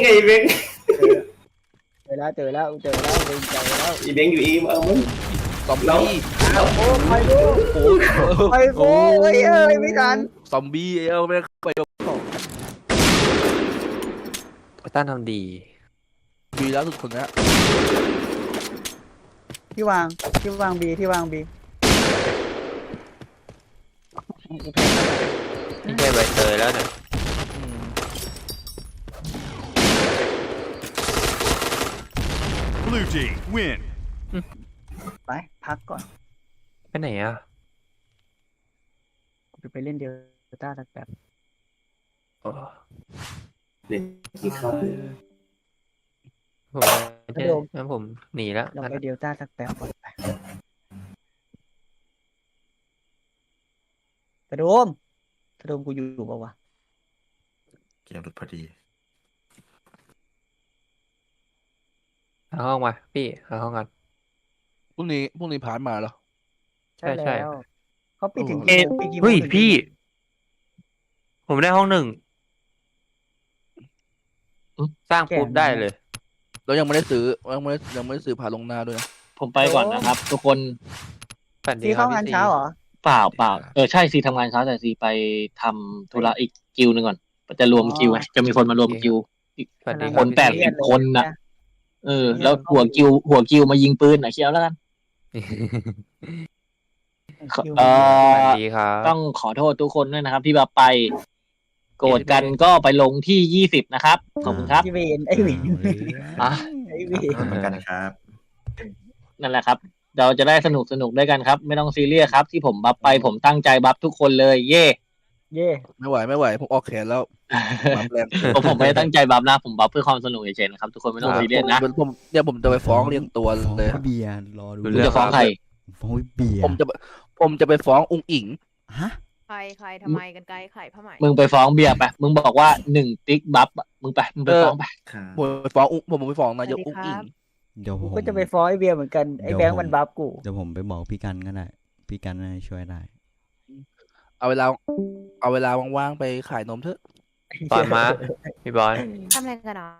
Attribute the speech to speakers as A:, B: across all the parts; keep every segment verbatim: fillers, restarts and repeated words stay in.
A: ไอ้เบง
B: เจอแล้วเจอแล้วเจอแล้วเจอแล้ว
A: ไอ้เบงอยู่อีมเอามึง
C: ซอมบี้
B: โอ้ไปดู
C: โอ้ย
B: ไปโอ้ยเอ้ยไม่ทัน
C: ซอมบี้เออไม่ได้ไปกับของต้านทำดีดีแล้วสุดคนนี้
B: ที่วางที่วางบีที่วางบี
D: ไม่ใช่ใบเตยแล้วเนี่ย
E: Blue team win.
B: ไปพักก่อน
D: ไปไหนอ่ะ
B: ไปเล่นเดลต้าสักแบบ
D: โอ้
A: เด็กที่เขา
D: ผมไม่ใช่งั้นผมหนีแล้ว
B: เราไปเดลต้าสักแบบก่อนไปกระโดมกระโดมกูอยู่เปล่าวะ
F: เกมหลุดพอดี
D: หาห้องมาพี่หาห้องกัน
C: พรุ่งนี้พรุ่งนี้ผ่านมาเหรอ
D: ใช่ใช่
B: แล้วเขาปิดถึง
D: เอ๊ะ
B: ปิดกี่โมง
D: เฮ้ย
B: ถึง
D: พี่ ผมได้ห้องหนึ่งสร้างปุ๊บได้เลย
C: เรายังไม่ได้ซื้อยังไม่ได้ยังไม่ได้ซื้อผ่านลงหน้าด้วยนะ
G: ผมไปก่อนนะครับ ทุกคน
D: ฝันดี
B: ที่
D: ครั
B: เข้า
D: บ
B: งาน
D: พี่ซี
B: เช้าเหรอ
G: เปล่าเปล่าเออใช่ซีทำงานเช้าแต่ซีไปทำธุระอีกกิวหนึ่งก่อนจะรวมกิวไงจะมีคนมารวมกิว
D: ฝันดี
G: คนแปดสิบคนน่ะ เออ แล้วหัวกิว หัวกิวมายิงปืนอ่ะเชียวแล้วกัน
B: คิว
G: เออ
D: ฝันดีครับ
G: ต้องขอโทษทุกคนด้วยนะครับ ที่มาไป โกรธกันก็ไปลงที่ยี่สิบนะครับ ขอบคุณครับ
B: ที่เวนไอ้เวน
G: อ่ะ
B: ไอ้เว
F: ขอบคุณเหมือนกันนะครับ
G: นั่นแหละครับ เราจะได้สนุกสนุกด้วยกันครับ ไม่ต้องซีเรียสครับ ที่ผมบัฟไปผมตั้งใจบัฟทุกคนเลย เย่
B: เย่
C: ไม่ไหวไม่ไหวผมออกแขนแล้วบัฟแรง
G: ผมผมไม่ได้ตั้งใจบัฟนะผมบัฟเพื่อความสนุกเฉยๆนะครับทุกคนไม่ต้องซีเรียสนะ
C: ผมผมเนี่ยผมจะไปฟ้องเรียงตัว
H: ฟ้อง
C: เลย
H: พี่เบียร์รอดู
G: คุณจะฟ้องใคร
H: ฟ้องพี่เบียร์
C: ผมจะผมจะไปฟ้ององค์อิง
H: ฮะ
I: ใครใครทำไมกันไกลไข่ผ้าไหม
G: มึงไปฟ้องเบียร์ไป มึงบอกว่าหนึ่งติ๊กบัฟอะมึงไป มึงไปฟ้องไป
F: ครับ
C: ผมไปฟ้ององค์ผมไปฟ้องนายกองค์อิง
H: เดี๋ยวผ
B: กู
H: ม
B: ก็จะไปฟ้องไอ้เบียร์เหมือนกันไอ้แบงค์มันบัฟกู
H: เดี๋ยวผมไปบอกพี่กันก็ได้พี่กันน่าจะช่วยได้
C: เอาเวลาเอาเวลาว่างๆไปขายนมเถอะ
D: บอลมาพี่บอล
I: ทำอะไรกันอ่ะ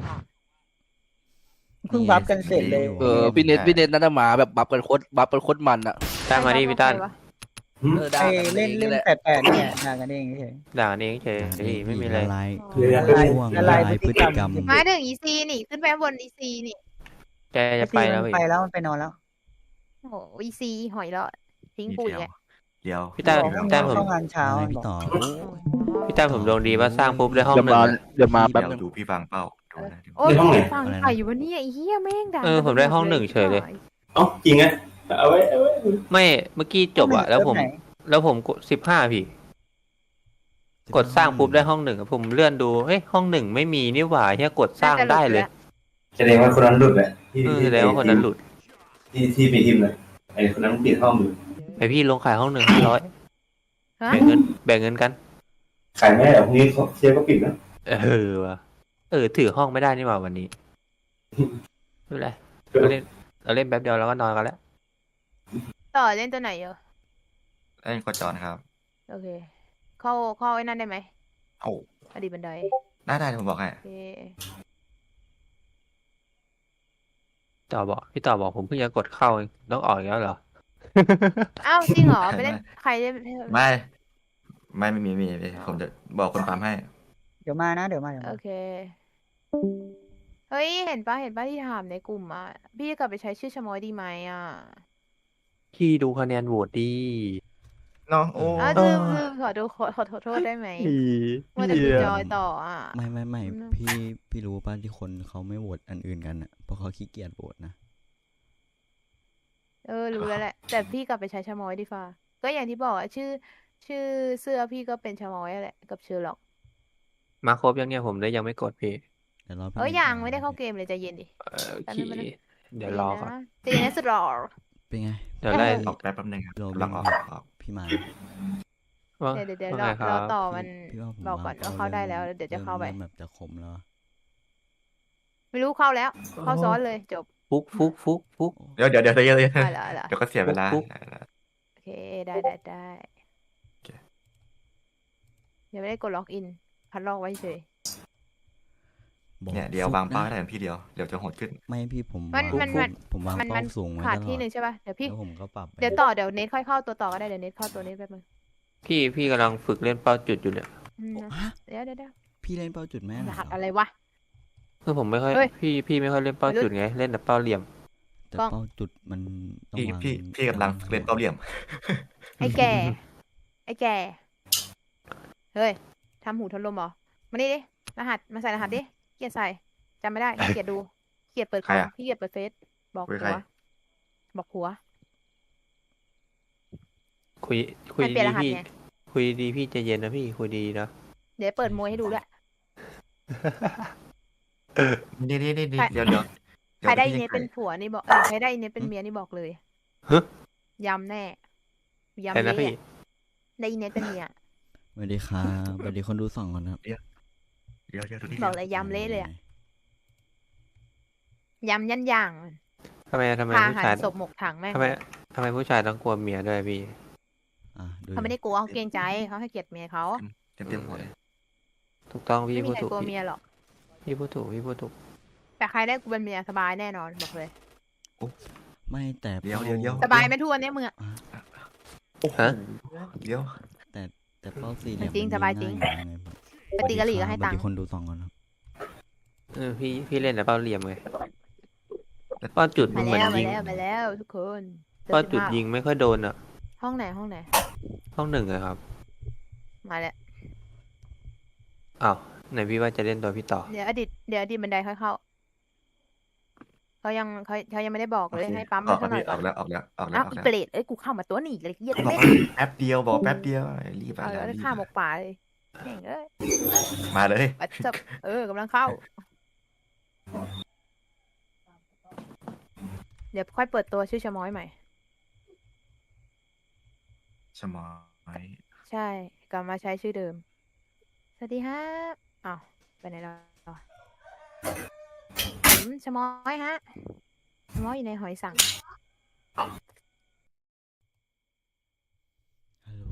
B: เพิ่งบัฟกันเสร็จเลย
C: เออพี่เน็ตพี่เน็ตนั่นน่ะหมาแบบบัฟกันโคตรบัฟกันโคตรมันอ่ะ
D: ตั้งมาดิพี่ตั้น
C: เออด่า
B: ไอ้
C: กัน
B: เล่น
C: อง
B: เล่น
C: แหละ
B: แปดแปดเนี่ยด่ากันเองเฉย
D: ด่ากันเองเฉยพี่ไม่มีอะไร
H: ละลาย
B: ละลาย
H: ช่วง
B: ละ
H: ละ
B: ลา
H: ลาย ย
B: พ
H: พ
B: ฤ
H: ฤ
B: ติ
H: ติ
B: ก
H: ก
B: ร
H: ร
B: ร
H: ร
B: ม
H: ม
I: มาถึงอีซีนี่ขึ้นไปบนอีซีนี่
D: แกจะไปแล้ว
B: มัน
D: พี่
B: ไปแล้วมันไปนอนแล้ว
I: โอ้โหอีซีหอยแล้วทิ้ง
F: นิด
I: ปุ๋ย
F: เดียว
I: แก
F: เดียว
D: พี่ตั้น
B: บอกให้
D: พี่ตั้นผม
B: เข้างานเช้า
H: อะไร
B: บ
H: พี่
B: อก
H: ต่อ
D: พี่ตั้นผมดวงดีว่าสร้างปุ๊บได้ห้อง
C: เดี๋ยว
D: หนึ่
C: มาง
D: อะ
C: เดี๋ยวมาแป๊บ
F: เดี๋ยว
C: นึง
F: ดูพี่ฟังเป้าดูนะดู
I: โอ้ยฟังไข่อยู่วันนี้ไอ้เหี้ยแม่งด่า
D: เออผมได้ห้องหนึ่งเฉยเลย
A: เอ้าจริงไงเอาไว้เอาไว้
D: ไม่เมื่อกี้จบอะแล้วผม
B: เริ่ไหน
D: แล้วผมกดสิบห้าพี่ กดสร้างปุ๊บได้ห้องหนึ่งอะผมเลื่อนดูเฮ้ยห้องหนึ่งไม่มีนี่หว่าเฮียกดสร้างได้เลย
A: แสดงว่าคนนั้นหลุดแหละที่
D: เออ
A: ที่
D: แสดงว่าคนนั้นหลุด
A: ที่ที่ไปทิมเลยไอ้คนนั้นปิดห้องอยู่
D: ไปพี่ลงขายห้องหนึ่งห้าร้อย
I: ฮะ
D: แบ่งเงินแบ่งเงินกัน
A: ขายไม่ได้หรอกพรุ่งนี้เขาเชียร์ก็ปิดนะ
D: เออว่ะเออถือห้องไม่ได้นี่หว่าวันนี้ไม่เป็นไรเราเล่นเราเล่นแป๊บเดียวแล้วก็นอนกันแล้ว
I: ต่อเล่นตัวไหนเยอะ
F: เล่นกดจอนครับ
I: โอเค เข้าเข้าไอ้นั่นได้ไหม
F: โอ้
I: อดีตบันได
F: ได้ได้ผมบอกให้
I: โอเค
D: ต่อบอกพี่ต่อบอกผมเพิ่งจะกดเข้าเองต้องออกอีกแล้วเหรอ
I: อ้าวจริงเหรอไปเล่นใครเล่น
F: ไม่ ไม่ไม่มีไม่มีผมจะบอกคนปั๊มให้
B: เดี๋ยวมานะเดี๋ยวมาเดี๋ยว
I: โอ
B: มา
I: เคเฮ้ยเห็นปะเห็นปะที่ถามในกลุ่มอ่ะพี่จะกลับไปใช้ชื่อชะมอยดีไหมอ่ะ
D: พี่ดูคะแนนโหวตดี
F: เนาะโอ้
I: อ้าวลืมลืมขอดูขอขอขอโทษได้ไหมมัวแต่ดูจอยต่ออ่ะ
H: ไม่ไม่ไม่
I: อืม
H: พี่พี่รู้ป่ะที่คนเขาไม่โหวตอันอื่นกันอ่ะเพราะเขาขี้เกียจโหวตนะ
I: เออรู้แล้วแหละ แต่พี่กลับไปใช้ชะมอยดีฟ้าก็อย่างที่บอกอะชื่อ ชื่อเสื้อพี่ก็เป็นชะมอยแหละกับเชอร์ล็อก
D: มาครบยังเนี่ยผมเลยยังไม่กดพี่
H: แต่รอบพี่
I: เอ้ย
H: น็ต
I: ยัง
H: มา
I: ไม่ได้เข้าเกมเลยใจเย็นดิ
D: เออโอ
I: แป๊บ
D: เค
I: นึงแป๊บนึง
D: เดี๋ยวรอก่อน
I: ตีนะสุดหล่อ
H: เป็นไง
D: เดี๋ยวไล่
F: ออกแป๊บแป๊บนึงครับ
H: โรบิน
F: แล้วออกออก
H: พี่มา
D: ว่า
I: เดี๋ยวเดี๋ยวเดี๋ยว
D: ว่า
I: ร
D: ไง
I: อ
D: ครั
I: รอบ ต่อมัน
H: พี่ว่าผม
I: บอกก่อนว่าเข้าได้แล้วเดี๋ยวจะเข้าไป
H: ริ่มแบบจะขมแล้ว
I: ไม่รู้เข้าแล้ว เข้าซ้อนเลยจบ
D: ฟุกฟุกฟุกฟุก
F: เดี๋ยวเดี๋ยวเดี๋ยวเดี๋ยวเดี๋ยว
I: เอาละเอาละ
F: เดี๋ยวก็เสียเวลา
D: ปุ๊บ
I: โอเคได้ได้ได้
F: โอเค
I: ยังไม่ได้กดล็อกอิน พัดล็อกไว้เฉย
H: บอก
F: เนี่ยเดียว
H: ฟุก
F: วางเป้า
H: นะ
F: ได้พี่เดียวเดี๋ยวจะโหดขึ้น
H: ไม่พี่ผม
I: มัน
H: วาง
I: มันมัน
H: ผมวาง
I: มัน
H: เป้า
I: มัน
H: สูงไว้
I: ขาด
H: ตล
I: ที่
H: อด
I: หนึ่งใช่ป่ะเดี๋ยวพี่
H: แล้วผมก็ปรับไป
I: เดี๋ยวต่อเดี๋ยวเน็ตค่อยเข้าตัวต่อก็ได้เดี๋ยวเน็ตเข้าตัวนี้แป๊บนึง
D: พี่พี่กำลังฝึกเล่นเป้าจุดอยู่เนี่ย
I: อืมนะ
H: ฮะ
I: เดี๋ยวเดี๋ยวเดี๋ยว
H: พี่เล่นเป้าจุดแม่น
I: ร
H: เหรอ
I: หัส
H: ค
I: อะ
H: รับ
I: ไรวะ
D: คือผมไม่ค่อย
I: เฮ้ย
D: พี่พี่ไม่ค่อยเล่นเป้า
I: วัยรุ่น
D: จุดไงเล่นแต่เป้าเหลี่ยม
H: แต่
I: กล้อง
H: เป้าจุดมันต้อง
F: พี่
H: วาง
F: พี่พี่กำลังเล่นเป้าเหลี่ยม
I: ไอ้แก่ ไอ้แก่ เฮ้ยทำหูทนลมเหรอ มานี่ดิ รหัส มาใส่รหัสดิเกลียดใส่จำไม่ได้เกลียดดูเกลียดเปิดค
F: ใคร
I: อม
F: อะ
I: พี่เกลียดเปิดเฟซบอก
F: คุย
I: ผั
F: ใคร
I: ว บอกผัว
D: คุยคุย
I: ให้เปลี่ยน
D: ดี
I: รหัส
D: พี่
I: ไง
D: คุยดีพี่ใจเย็นนะพี่คุยดีนะ
I: เดี๋ยวเปิดมวยให้ดูด้วย
F: นี่นี่นี่นี่
I: ใคร
F: เดี๋ยวเดี๋ยวเดี๋
I: ใคร
F: ยว
I: ได้
F: พี่
I: เน็ต
F: ให้
I: เป็นผัวนี่บอกเออใครได้เน็ตเป็นเมียนี่บอกเลย
D: ฮะ
I: ยำแน่ยำ
D: ใครนะ
I: เละ
D: พี่
I: อะได้เน็ตเป็นเมีย
H: สวัสดีครับสวัสดีคนดูสองคนครับ
F: เดี๋ยวเดี๋ยวดูนี่
I: บอกเลยยำเละเลยอะยำยันย่าง
D: ทำไมทำไม
I: พา
D: ผู้
I: หัน
D: ชาย
I: ศพหมกถังแม่ง
D: ทำไมทำไมผู้ชายต้องกลัวเมียด้วยพี่
H: อ่ะดู
I: เขาไม่ได้กลัวเขาเกรงใจเขาให้เกียรติเมียเขา
F: เต็มเต็มหัวเลย
D: ถูกต้องพี่
I: ไม่มี
D: พูด
I: ใคร
D: ถูก
I: กลัว
D: พี่
I: เมียหรอก
D: พี่พูดถูกพี่พูดถูก
I: แต่ใครได้กูเป็นเมียสบายแน่นอนบอกเลย
H: ไม่แต่
F: เดี๋ยวเดี๋ยวเดี๋ยว
I: สบายไหมทุกวันนี้มึงอะ
D: ฮะ
F: เดี๋ยว
H: แต่แต่เป้าสี่เหลี่ยม
I: จริง
H: มัน
I: สบายจริง
H: ง่อไงผม
I: ไปตีกะหรี่ก็ให้ตัง
H: สวัส
I: ค์
H: ดีคนดูสองคนครับ
D: เออพี่พี่เล่นแต่เป้าเหลี่ยมไงเป้าจุดมั
I: มาน
D: เหมือน
I: แล้วมา
D: ยิง
I: แล้วมาแล้วทุกคนเจอ
D: เป้าจุด
I: สิบห้
D: ยิงไม่ค่อยโดนอ่ะ
I: ห้องไหนห้องไหน
D: ห้องหนึ่งอะครับ
I: มาแล้ว
D: อ้าวไหนพี่ว่าจะเล่นตัวพี่ต่อ
I: เดี๋ยวอดีตเดี๋ยวอดีตบันไดค่อยเข้าเขายังเขาเขายังไม่ได้บอกเลยให้ปั๊ม
F: ออก
I: สักหน่อย
F: ออกแล้วออกแล้วออกแล้ว
I: อ้าว
F: ออก
I: อี
F: แล้ว
I: เปรตเอ้ยกูเข้ามาตัวหนีเลยเหี้ย
F: บอก
I: เล่น
F: ว่าแป๊บเดียวบอกแป๊บเดียวรีบไป
I: เอา
F: แล้ว
I: แล้ว
F: รีบ
I: ข้ามหมกป่าเลยแม่งเอ้ย
F: มาเลย
I: ปัดจบเออกำลังเข้า เดี๋ยวค่อยเปิดตัวชื่อชะม้อยใหม่
F: ชะมอย
I: ใช่กลับมาใช้ชื่อเดิม สวัสดีฮะอ้าวไปไหนแล้วผมชะม้อยฮะชะม้อยอยู่ในหอยสัง
H: ฮัลโหล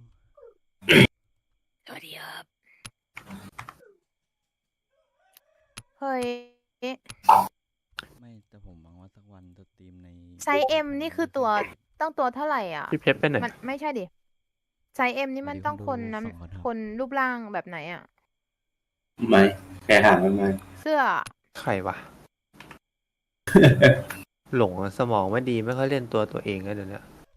I: สวัสดีครับเฮ้ย
H: ไม่แต่ผมหวังว่าสักวันจะสตรีมใน
I: ไซส์เอ็มนี่คือตัวต้องตัวเท่าไหร่อ่ะ
D: พี่เพชรไปไหน
I: มันไม่ใช่ดิไซส์เอ็มนี่มันต้องคนน้ำคนรูปร่างแบบไหนอ่ะ
A: ไม่แค่ห่างกันมา
I: เสื้อ
D: ใครวะ หลงอะสมองไม่ดีไม่ค่อยเล่นตัวตัวเองแล้วเดี๋ยวนี้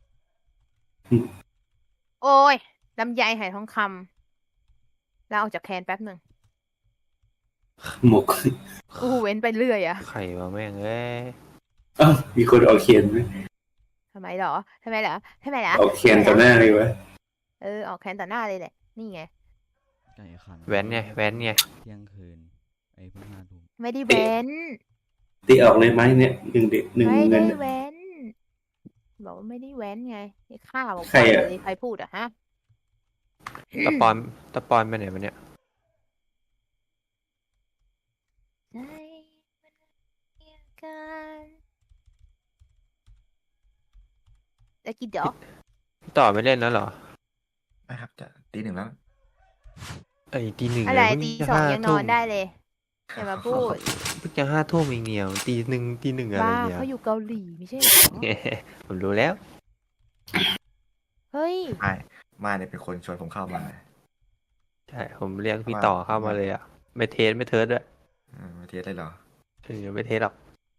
I: โอ้ยลำไยไหทองคำแล้วออกจากแคนแป๊บหนึ่ง
A: หมก
I: อู้หูเว้นไปเรื่อยอ่ะ
D: ใครวะแม่งเอ้ย
A: อ้าวมีคนเอาเขียนไหม
I: ทำไมเหรอทำไมเหรอทำไมเหรอ
A: เอาเขียนต่อหน้าเลยวะ
I: เออออกแคนต่อหน้าเลยแหละ นี่ไง
H: ไก่ขัน
D: แว้นไงแว้นไง
H: เที่ยงคืนไอ้เพิ่งห้าทุ่ม
I: ไม่ได้เว้น
A: ตีออกเลยไหมเนี่ยหนึ่งเด็กหนึ่ง
I: ไม่
A: เงิ
I: ได้
A: น
I: เว้น บอกว่าไม่ได้เว้นไงนี่ข้าบอก
A: ใครอะ
I: เลยใครพูดอะฮะ
D: ตะปอนตะปอนไปไหนมาเนี่ย
I: ใจมันเรียกกันแล้วกินดอก
D: พี่ต่อไม่เล่นแล้วเหรอ
F: นะครับจะตีหนึ่งแล้ว
D: ไอ้ยตีหนึ่ง
I: อะไร
D: เพิ่
I: ตี
D: จะ
I: สอง
D: ห้า
I: ยังน
D: ทุ่
I: อ
D: ม
I: นได้เลยอย่ามาพูด
D: เพิ่งจะห้าทุ่มเองเนี่ยตีหนึ่งตีหนึ่งอะไร
I: บ้า
D: เนี่ย
I: เขาอยู่เกาหลีไม่ใช่เหรอ
D: ผมรู้แล้ว
I: เฮ้ย
F: ไม่มาเนี่ยเป็นคนชวนผมเข้ามา
D: ใช่ผมเรียกพี่ต่อเข้ามาเลยอ่ะไม่เทสไม่เทิร์ดด้วย
F: เออมาเทสได้เหรอ
D: เออไม่เทสหรอก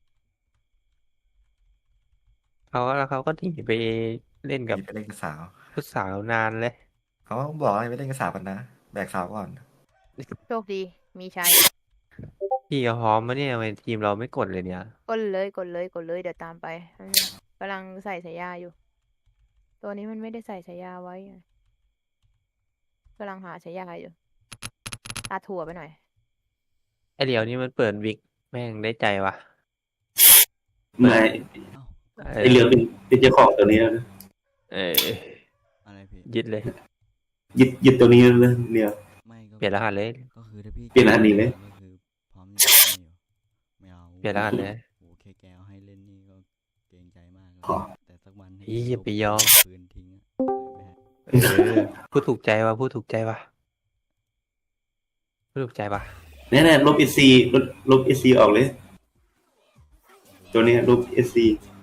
D: เขาแล้วเขาก็หนีไปเล่นกับ
F: มีไปเล่นกับสาว
D: ผู้สาวนานเลย
F: เขาบอกให้ไปเล่นกับสาวกันนะ แบกสาวก่อน
I: โชคดี มีชัย
D: พี่เขาพร้อมมาเนี่ยทำไมทีมเราไม่กดเลยเนี่ย
I: กดเลยกดเลยกดเลยเดี๋ยวตามไปอืมกำลังใส่สายยาอยู่ ตัวนี้มันไม่ได้ใส่สายยาไว้ไงกำลังหาสายยาอยู่ตาถั่วไปหน่อย
D: ไอเดียวนี่มันเปิดวิกแม่งได้ใจวะ
A: ไม่
H: เอ้า
A: ไอเรือเป็นเป็นเจ้าของตัวนี้แล้วนะ
D: เออ
H: อะไรพี่
D: ยึดเลย
A: ยึดยึดตัวนี้เลยเดียว
H: ไม่ก็
D: เปลี่ยนรหัสเลย
H: ก็คือถ้าพี่
A: เปลี่ยนรหัสหนีเลย
H: ก็คือพร้อมจะเล่นอยู่ไม่เอา
D: เปลี่ยนรหัสเลย
H: โอ้แค่แกเอาให้เล่นนี่ก็เกรงใจมากแล้ว
A: ขอ
H: แต่สักวันให้
D: อีอย่าไปยอม
H: ปืนทิ้งอะไม่ให้
D: เออพูดถูกใจวะพูดถูกใจวะพูดถูกใจวะ
A: เนี่ยนะลบเอซีลบลบเอซีออกเลย ตัวเนี้ยลบเอซี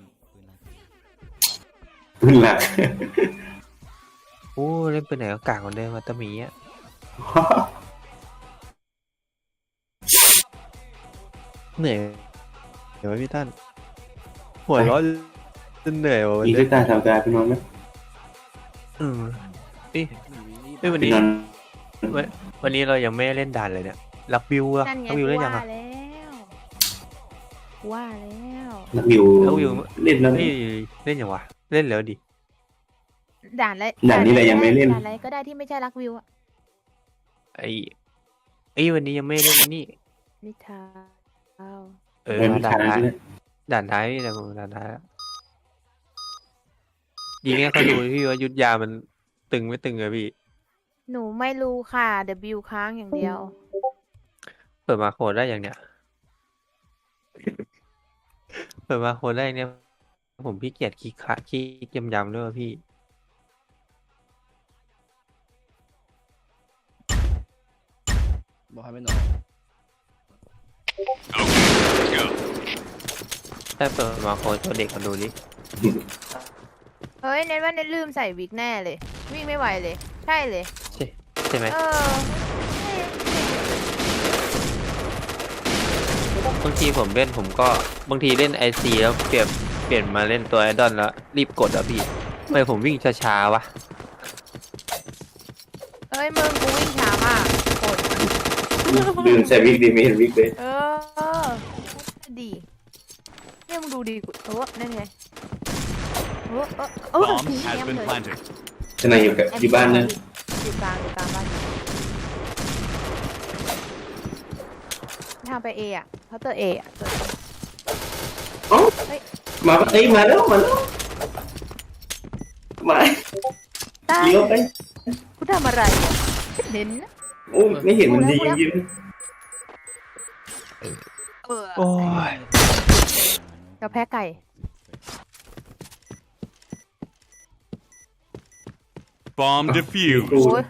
A: ปืนหลัก
D: โอ้เล่นปืนไหนก็กากกว่าเดิมมาตะหมีอ่ะเหนื่อยเดี๋ยวพี่ท่านหัวร้อนจนเหนื่อยวะวัน
A: มี
D: นี้
A: เลือดตาทำการไปนอนไหม
D: อืมเอ้ยเอ้ยวัน
A: ไป
D: นี้
A: นอน
D: วันวันนี้เรายังไม่ได้เล่นด่านเลยเนี่ยลักบิวอะ
I: นั่นไง
D: ลักบิวเล่นยัง
I: ว่า
D: อะ
I: แล้วว่าแล้ว
A: นักวิว
D: ลักบิว
A: เล่นแล้ว
D: เฮ้ยเล่นยังวะเล่นแล้วดิ
I: ด่านอะไร
A: ด่านนี้แหละยังไม่เล่น
I: ด่านอะไรก็ได้ที่ไม่ใช่รักวิวอะ
D: ไอ้ไอ้ยวันนี้ยังไม่เล่นอันนี่
I: นิทาน
D: เออ
A: เออมี
D: ด่า
A: ทาน ง
D: ท้าย
A: ด้วย
D: ด่านท้ายนี่แหละผมด่านท้ายอะยิงให้เขาดูพี่ว่ายุทธยามันตึงไม่ตึงอะพี่
I: หนูไม่รู้ค่ะ W ค้างอย่างเดียว
D: เปิดมาโคดได้อย่างเนี้ย เปิดมาโคดได้เนี่ยผมพี่เกียจขี้ขะขี้ยำยำๆด้วยว่ะพี่
C: บอกให้ไม่นอน
D: ถ้าเปิดมาโคดตัวเด็กมาดูดิ
I: เฮ้ยเน้นว่าเน้นลืมใส่วิกแน่เลย วิ่งไม่ไหวเลย ใช่เลย
D: ใช่ใช่ไหม
I: เออ
D: บางทีผมเล่นผมก็บางทีเล่นไอซีแล้วเปลี่ยนเปลี่ยนมาเล่นตัวไอดอลแล้วรีบกดอ่ะพี่ทำไมผมวิ่งช้าๆวะ
I: เฮ้ยมึงกูวิ่งช้ามากกด
A: ลืมใส่วิกดีไม่เห็นวิกเลย
I: เออดีเนี่ยมึงดูดีกูเออนั่นไงเออเออเออ
E: Bomb
I: เยี่
E: has
I: ยม
E: been
I: เลย
E: planted.
A: จะนายอยู่กับอยู่บ้านนะ
I: อยู่กลางอยู่กลางบ้านทางไปเออ่ะเขาเตอร์เออ่ะเปิด
A: เอ้ามาเอ้ยมาแล้วมาแล้วมา
I: ตาย
A: เลี้ยวไป
I: กูทำอะไรอ่ะเน้นนะ
A: โอ้ยไม่เห็นมันยิงยิง
I: เออ
D: โอ้ย
I: เราแพ้ไก่
E: Bomb
A: กู
E: defused.
I: โอ้ย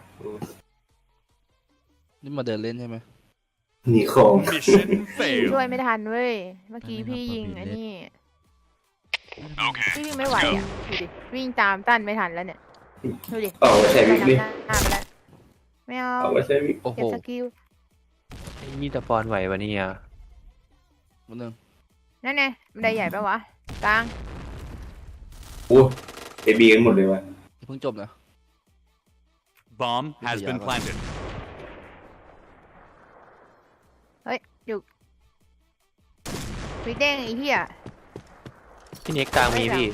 C: นี่มาเดินเล่นใช่ไหม
A: หนีของ
E: Mission
I: ช่วย
E: failed.
I: ไม่ทันเว้ยเมื่อกี้พี่ยิงไอ้นี่พี่วิ่งไม่ไหวอ่ะดูดิวิ่งตามตั้นไม่ทันแล้วเนี่ยดูดิ
A: เอาไว้ใส่วิกเลย
I: หน้าไปแล้วไม่เอา
A: เอาไว้ใส่วิก
C: โอ้โห
I: เก็บสกิล
D: ไอ้นี่ตะปอนไหววะเนี่ย
C: มันนึง
I: นั่นไงบันไดใหญ่ปะวะกลาง
A: โอ้เอบีกันหมดเลยวะ
C: เพิ่งจบนะ
E: Bomb has been
C: Yeah.
E: planted.
I: เฮ้ยอยู่วิเด้งไอ้เหี้ย
D: พี่เน็กกลางมีพี่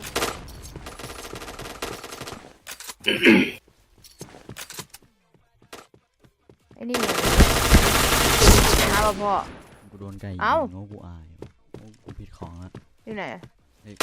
I: ไอ้นี่เอาพ่อ
H: กูโดนไก่ยิง
I: เอ้า
H: โง่กูอายว่ะโอ้กูผิดของละ
I: อยู่ไหนอะ
H: เฮ้ย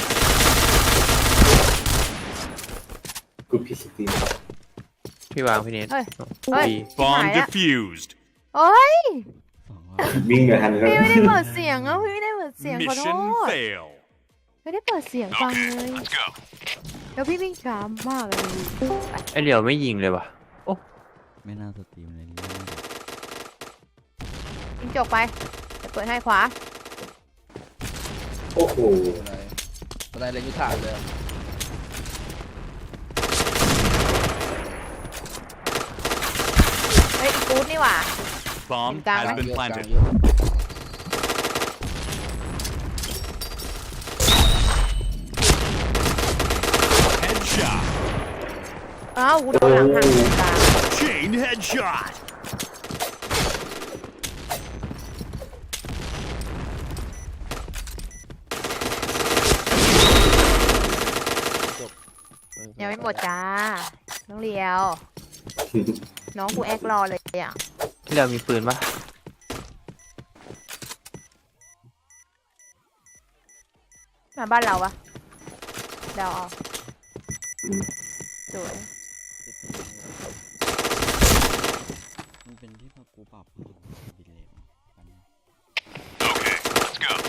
A: กูพิสตี
D: พี่วางพี่เน็ต
I: เฮ้ยเฮ้ย
D: ดี
I: ชิบหาย
E: Bomb
I: ละ
E: defused.
I: โอ้ย
H: สองรอบ
A: วิ่งไม่ทันแล้ว
I: พี่ไม่ได้เปิดเสียงอ่ะพี่ไม่ได้เปิดเสียงขอโท
E: Mission
I: ษ
E: fail.
I: ไม่ได้เปิดเสียงฟังเลย
E: Let's go.
I: แล้วพี่วิ่งช้ามากเลย
D: ไอเหลียวไม่ยิงเลยวะ
H: ไม่น่าสตรีมเลยนี่
I: ยิงจบไปจะเปิดให้ขวา
A: โอ้โห
C: อะไรอะไรเล่นยุทธาเลยอะ
I: เฮ้ยอีกู๊ดนี่หว่า
E: Bomb
I: Yung tama.
E: has
C: กลาง
E: been
C: เยอะกลาง
E: planted.
C: เยอะ
E: Headshot.
I: อ้าวกูโดนหลังหักตรงกลาง
E: Chain headshot.
I: ยังไม่หมดจ้า น้องเลียว น้องกูแอครอเลยอ่ะ
D: พี่เหลียวมีปืนปะ
I: มาบ้านเราปะเดาเอาสวย
H: มันเป็นที่พอกูปรับดีเลยมัน
E: Okay, let's go.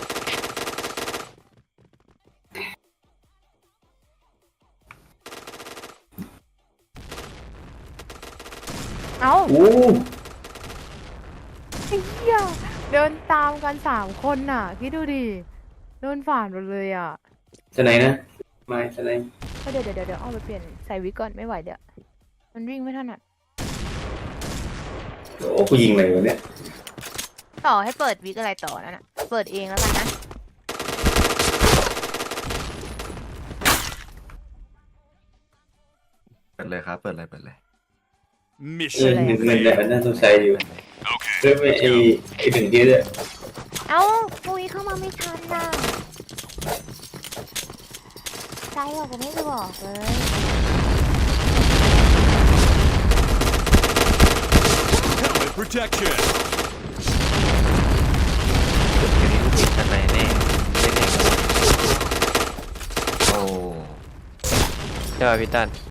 I: เอ้า
A: โอ้
I: ไอ้เหี้ยเดินตามกันสามคนน่ะคิดดูดิเดินฝ่านหมดเลยอ่ะ
A: จะไหนนะไม่จะไหน
I: ก็เดี๋ยวเดี๋ยวเดี๋ยวเอาไปเปลี่ยนใส่วิกก่อนไม่ไหวเดี๋ยวมันวิ่งไม่ถนัด
A: โอ้กูยิงอะไรวะเนี่ย
I: ต่อให้เปิดวิกอะไรต่อนั่นน่ะเปิดเองแล้วกันนะ
F: เปิดเลยครับ เปิดเลยเปิดเลย
A: เออ
E: Mission
A: หนึ่งเงินแบบ
E: failed.
A: น่าสงสัยอยู่
E: Okay,
A: เรื่องไอ้
E: let's go.
A: ไอ้ถึงที่เนี่ย
I: เอ้าปุยเข้ามาไม่ทันน่ะใจบอกก็ไม่ได้บอกเลย
E: Helmet protection.
D: จุดนี้ลูกติดกันไหนแน่เล่นเอง
F: โอ้
D: ใช่ป่ะพี่ตั้น